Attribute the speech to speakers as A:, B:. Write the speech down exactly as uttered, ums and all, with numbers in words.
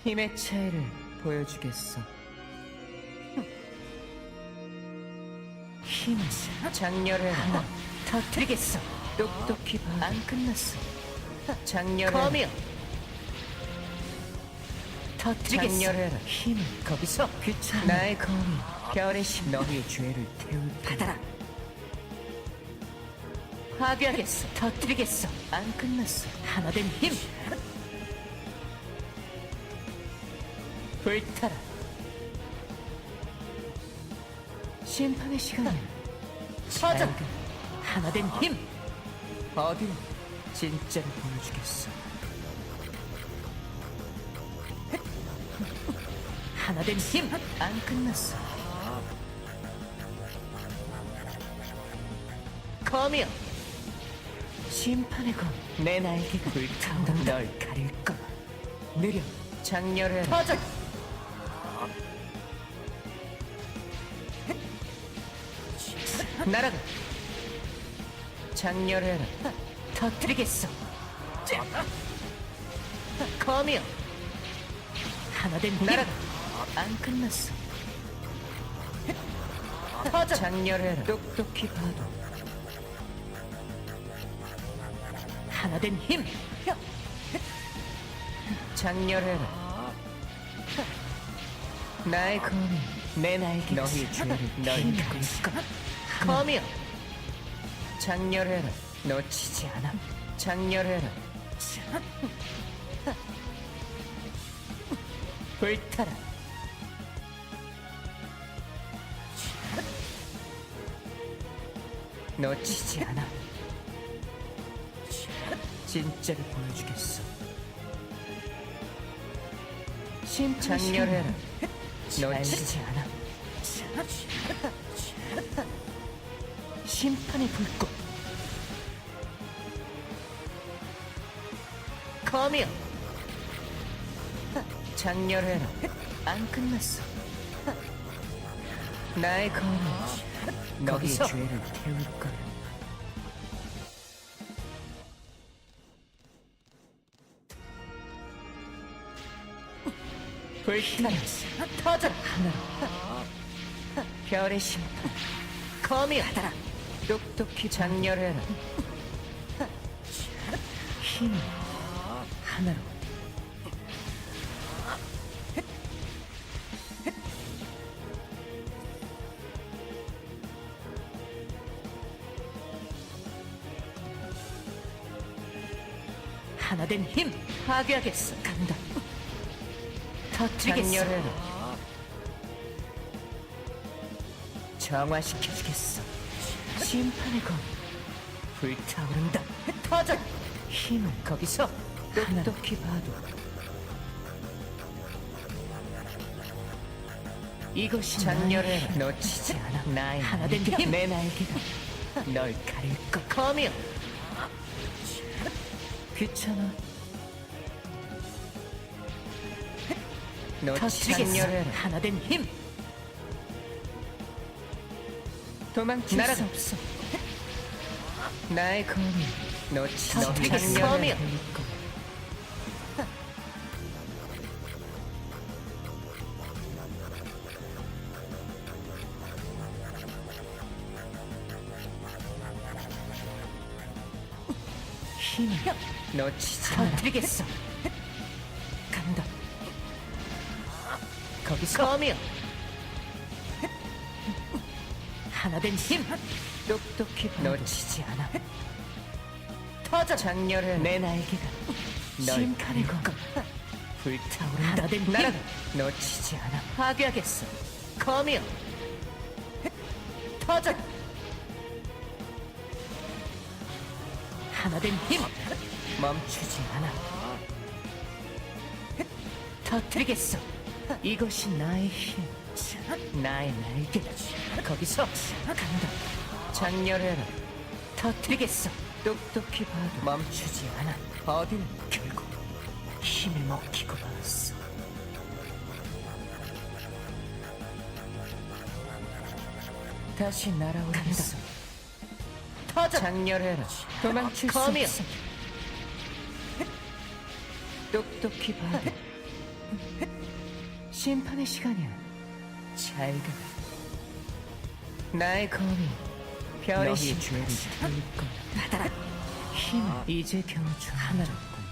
A: 힘의 차이를 보여주겠어. 힘을 장렬해 하나 터뜨리겠어. 똑똑히 봐. 안 끝났어. 장렬해.
B: 거미요.
A: 터뜨리겠어. 장렬해라. 힘을 거기서 귀찮아. 나의 검이 별의 심 너희의 죄를 태울
B: 받아라. 파괴하겠어. 터뜨리겠어.
A: 안 끝났어.
B: 하나 된 힘. 불타라.
A: 심판의 시간이야.
B: 퍼져. 하나 된 힘.
A: 어디 진짜를 보여주겠어.
B: 하나 된 힘.
A: 안 끝났어.
B: 거미요.
A: 심판의 검. 내 날개가 불타오르 널 가릴 거야. 느려. 장렬해.
B: 퍼져.
A: 날아가. 장렬해라.
B: 터뜨리겠어. 거미요. 하나 된 힘.
A: 날아가. 안 끝났어.
B: 퍼져.
A: 장렬해라. 똑똑히 봐도.
B: 하나 된 힘.
A: 장렬해라. 나의 검이 내 날개 너희의 죄를 널 가릴 거야.
B: 거미요.
A: 장렬해라. 놓치지 않아. 장렬해라.
B: 불타라.
A: 놓치지 않아. 진짜를 보여주겠어. 장렬해라. 놓치지 않아.
B: 심판의 불꽃. 거미요.
A: 장렬해라. 안 끝났어. 나의 검이 너희의
B: 거기서.
A: 죄를 태울 거야.
B: 불타라. 터져.
A: 별의 심판.
B: 거미요. 받아라.
A: 똑똑히 장렬해라. 힘 하나로.
B: 하나 된 힘. 파괴하겠어. 간다. 터뜨리겠어.
A: 장렬해라. 정화시켜주겠어. 심판의 검 불타오른다.
B: 터져.
A: 힘을 거기서 똑똑히 봐도. 이것이 장렬해라. 놓치지 않아. 나의
B: 하나 된
A: 날개.
B: 힘.
A: 내 날개가 널 가릴 거.
B: 거미요.
A: 귀찮아. 놓치지
B: 터뜨리겠어.
A: 장렬해라.
B: 하나 된 힘.
A: 도망칠
B: 날아가.
A: 수 없어. 나의 검이 놓치지
B: 터뜨리겠어.
A: 장렬해라.
B: 검이요.
A: 힘을 놓치지 않아.
B: 터뜨리겠어.
A: 간다. 거기서
B: 거미요. 하나 된 힘.
A: 똑똑히 봐. 놓치지 않아.
B: 터져.
A: 장렬해. 내 날개가 널
B: 심판의
A: 가릴 거. 불타오른다.
B: 하나 된 힘.
A: 날아가. 놓치지 않아.
B: 파괴하겠어. 거미요. 터져. 하나 된 힘.
A: 멈추지 않아.
B: 터뜨리겠어.
A: 이것이 나의 힘. 나의 날개. 거기서 간다. 장렬해라.
B: 터뜨리겠어.
A: 똑똑히 봐도 멈추지 않아. 어디는 결국 힘을 먹히고 말았어. 다시 날아오겠어.
B: 터져.
A: 장렬해라. 도망칠 수
B: 검이요.
A: 없어. 똑똑히 봐도 심판의 시간이야. 잘 가. 나의 검이 별의 신 죄를 태울 거야.
B: 받아라.
A: 힘 이제 겨우 좀 하나였군.